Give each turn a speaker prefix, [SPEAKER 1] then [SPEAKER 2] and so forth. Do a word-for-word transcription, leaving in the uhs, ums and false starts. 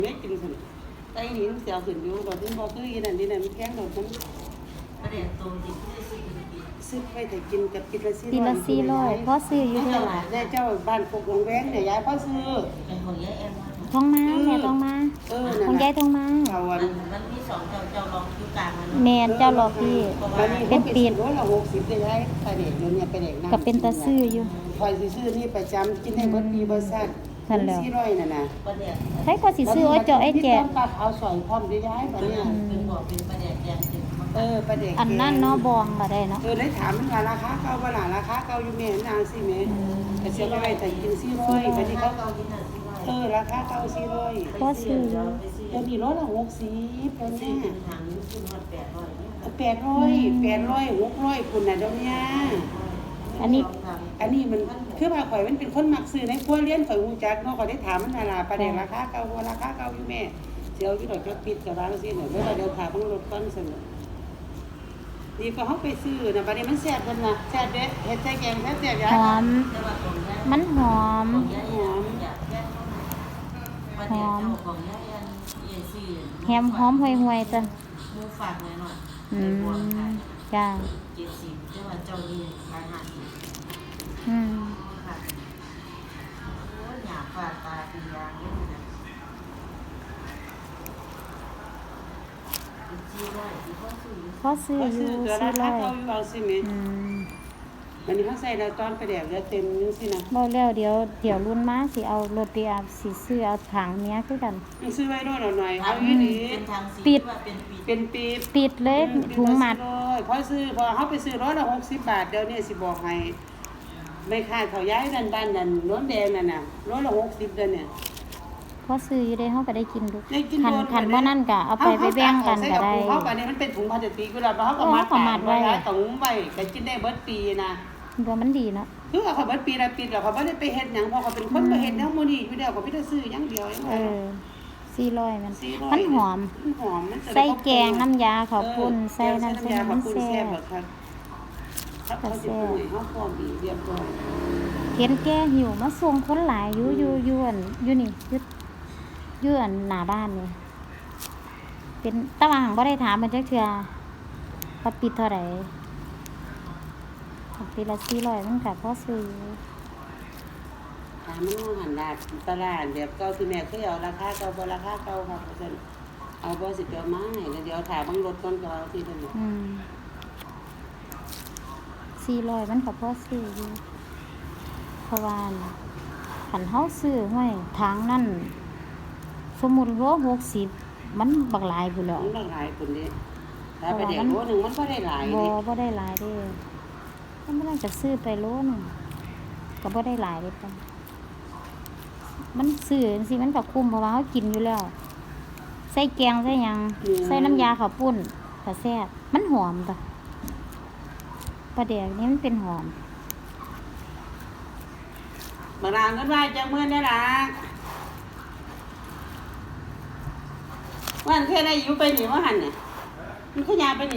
[SPEAKER 1] ไม่กินสิไอ้หินเสียวขึ้นอยู่ดอกที่บ่คืออีนั่นนี่นั่นแกงดอกมัน
[SPEAKER 2] ประเดี๋ยวตัวจริงที่ได้ซื้อกินกิน
[SPEAKER 1] ซื้อไปแต่กินกับกินละสี่
[SPEAKER 3] ปีละสี่ร้อยพ่อซื้ออยู่
[SPEAKER 1] เท่า
[SPEAKER 3] เท่า
[SPEAKER 1] ไห
[SPEAKER 3] ไห
[SPEAKER 1] ร่
[SPEAKER 3] ร่
[SPEAKER 1] ได้เจ้าบ้านปกวงแวงเนี่ยยายพ่อซื้อ
[SPEAKER 2] เป็นของยายแอม
[SPEAKER 3] ทองมาแม่ทองมา
[SPEAKER 1] เออ
[SPEAKER 3] ของยายทองมา
[SPEAKER 1] เอาวัน
[SPEAKER 2] มันมีสองเจ้าเจ้าลองคิวกลางมัน
[SPEAKER 3] แม่เจ้าหลอกพี่เป็นปีน
[SPEAKER 1] ร้อยละหกสิบได้ยายไปเด็กเดี๋ยวนี้ไปเด็กนั่ง
[SPEAKER 3] ก็เป็นตาซื้ออยู่
[SPEAKER 1] คอยซื้อนี่ประจำกินให้เบิดปีเบิดซัดสี่ร้อยน่ะนะ
[SPEAKER 2] ประเดี๋ยว
[SPEAKER 3] ให้พอสิซื้อไว้เจาะไอ้แจก
[SPEAKER 1] ตักเอาสอยพร้อมได้ย้ายบัดเนี้ย
[SPEAKER 2] เป็นบอกเป็นประเดี๋ยวแกงจึง
[SPEAKER 1] เออประเด็ก
[SPEAKER 3] อันนั้นเนาะบองก็ได้เนาะ
[SPEAKER 1] เออได้ถามมันว่าราคาเก่าบ่ล่ะราคาเก่าอยู่แม่นางสิแม่ก็เสียไปไว้แต่กินสี่ร้อยบัดนี้เขา
[SPEAKER 2] เกากินหน่อยสิว่า
[SPEAKER 1] เออราคาเก่าสี่ร้อย
[SPEAKER 3] พ่อซื้ออยู่
[SPEAKER 1] เดี๋ยวนี้ร้อยละหกสิบแล้ว
[SPEAKER 2] ซื้อ
[SPEAKER 1] เนี่ย
[SPEAKER 2] เป็นถังซื้อหมดแปดร้อยเนี่ย
[SPEAKER 1] แปดร้อยแปดร้อยหกร้อยคุณน่ะเดี๋ยวนี้
[SPEAKER 3] อันนี้
[SPEAKER 1] อันนี้มันคือว่าข่อยมันเป็นคนมักซื้อในครัวเรือนข่อยฮู้จักเนาะข่อยได้ถามมันว่าล่ะประเด็นราคาเก่าบ่ราคาเก่าอยู่แม่เสียวอยู่ดอกจักปิดก็ว่าจังซี่เนาะเดี๋ยวเดี๋ยวถามเบิ่งรถก่อนซั่นนี่ก็เฮาไปซื้อน่ะบัดนี้มันแซ่บเพิ่นน่ะแซ่บเด้เฮ็ดใส่แกงแซ่บๆยา
[SPEAKER 3] หอม
[SPEAKER 2] แต่ว่าของยาย
[SPEAKER 3] มันหอม
[SPEAKER 2] ของยายแอมอยากแก้ประเดี๋ยวเจ้าของยายแอมเอซี่
[SPEAKER 3] แฮมหอมห่วยๆจ้ะ
[SPEAKER 2] มูฝากหน่อยหน่อย
[SPEAKER 3] อื
[SPEAKER 2] เป็นบวก
[SPEAKER 3] ม
[SPEAKER 2] ค่ะ
[SPEAKER 3] จ้า
[SPEAKER 2] เจ็ดสิบแต่ว่าเจ้านี่ขายห้าสิบ
[SPEAKER 3] อืม
[SPEAKER 2] ค่ะโอ้ยหยาบฝาดตาปียางนี่นะจีร้อยจีพ่อซื้อ
[SPEAKER 3] พ่อซื้อ
[SPEAKER 1] ก็
[SPEAKER 3] อ
[SPEAKER 1] ซื้
[SPEAKER 3] ยู่
[SPEAKER 1] อตัว
[SPEAKER 3] สี่
[SPEAKER 1] รา
[SPEAKER 3] ร้
[SPEAKER 1] คา
[SPEAKER 3] อย
[SPEAKER 1] เก่าอยู่เอาสิแม่
[SPEAKER 3] อืม
[SPEAKER 1] อันนี้เฮาใส่แล้วตอนไปแดกแล้วเต็มจังซี่นะ
[SPEAKER 3] บ่แล้วเดี๋ยวเดี๋ยวรุ่นมาสิเอารถปีอาสิซื้อเอาถังเนี้ยคือกัน
[SPEAKER 1] ยังซื้อไว้โน่นเอาหน่อยเอา
[SPEAKER 2] ทำ
[SPEAKER 1] อีหลี
[SPEAKER 2] เป็นทางสี
[SPEAKER 3] ปิด
[SPEAKER 2] ว่าเป็นปี
[SPEAKER 1] เป็นปีบ
[SPEAKER 3] ปิดเลยถุงหมัด
[SPEAKER 1] พอซื้อพอเขาไปซื้อร้อยละหกสิบบาทเดี๋ยวนี้สิบอกให้ไม่ค่าเขาย้ายนั่นบ้านนั่นน้นแดงนั่นน่ะร้อยละหกสิบเดือนเนี่ย
[SPEAKER 3] พอซื้ออยู่ได้เฮาก็ได้กินดู
[SPEAKER 1] ได้กิน
[SPEAKER 3] คัน
[SPEAKER 1] โดน
[SPEAKER 3] คันว่านั่นก็เอาไปไปแบ่งกันก็ได้
[SPEAKER 1] เขาอันนี้มันเป็นถุงพลาสติกเวลาเขาก็มัด
[SPEAKER 3] เออเขาก็มัดไว้
[SPEAKER 1] ถุงไว้ก็กินได้เบิดปีนะ
[SPEAKER 3] ตัวมันดีเนาะ
[SPEAKER 1] คือเขาเบิดปีละปีแล้วเขาไม่ได้ไปเฮ็ดหยังเพราะเขาเป็นคนบ่เฮ็ดแนวมื้อนี้อยู่แล้วเขาไม่ได้ซื้ออย่างเดียวอย่าง
[SPEAKER 3] เอ
[SPEAKER 1] เดียว
[SPEAKER 3] อสี่ร้อยมัน
[SPEAKER 1] สี่ร้อย
[SPEAKER 3] มันหอม
[SPEAKER 1] มันหอมมันจะได้
[SPEAKER 3] ใส่แกงน้ำยาข้าวปุ้นใส่
[SPEAKER 1] เออ
[SPEAKER 3] น้ำใส่
[SPEAKER 1] ยา
[SPEAKER 3] น้ำ
[SPEAKER 1] ข้าว
[SPEAKER 3] มัน
[SPEAKER 1] ปุ้น
[SPEAKER 3] แซ่
[SPEAKER 1] แซ่บบ แบบครับครับเขาจะปรุงให้เขาพร้อมดีเรียบร้อย
[SPEAKER 3] เห็นแกหิวมาส่งคนหลายอยู่อยู่อยู่อันอยู่นี่อยู่อยู่อันหน้าบ้านนี่เป็นตะวาหังบ่ได้ถามมันจักเทื่อว่าปิดเท่าไหร่ปีละสี่ร้อยมันก็พอซื้ออยู่
[SPEAKER 1] ถามมันว่าหันดาดตลาดแบบเก่าที่แม่เคยเอาราคาเก่าบ่ราคาเก่าครับเพิ่นเอาบ่สิไปเอามาให้แล้วเดี๋ยวถามเบิ่งรถก่อนก็เอาที่เพิ่น
[SPEAKER 3] อืมสี่ร้อยมันก็พอซื้ออยู่เพราะว่าขันเฮาซื้อห้วยทางนั่นสมมุติว่าหกสิบมันบักหลายพุ่นแหล้ว
[SPEAKER 1] มันบ่หลายคนเด้ถ้าไปเด็กโลนึงมันบ่ได้หลาย
[SPEAKER 3] บ่
[SPEAKER 1] เด้
[SPEAKER 3] บ่ได้หลายเด้ถ้ามันน่าจะซื้อไปโลนึงก็บ่ได้หลายเด้ปะมันซื้อจังซี่มันก็คุ้มเพราะว่าเฮากินอยู่แล้ว ใส่แกงใส่หยังใส่น้ำยาข้าวปุ้นก็แซ่บมันหอมปะปลาแดกนี่มันเป็นหอม
[SPEAKER 1] บางนางก็ว่าจังมื้อนี่ล่ะวันแค่ได้อยู่ไปนี่ว่าหั่นน่ะมันขยาไปนี่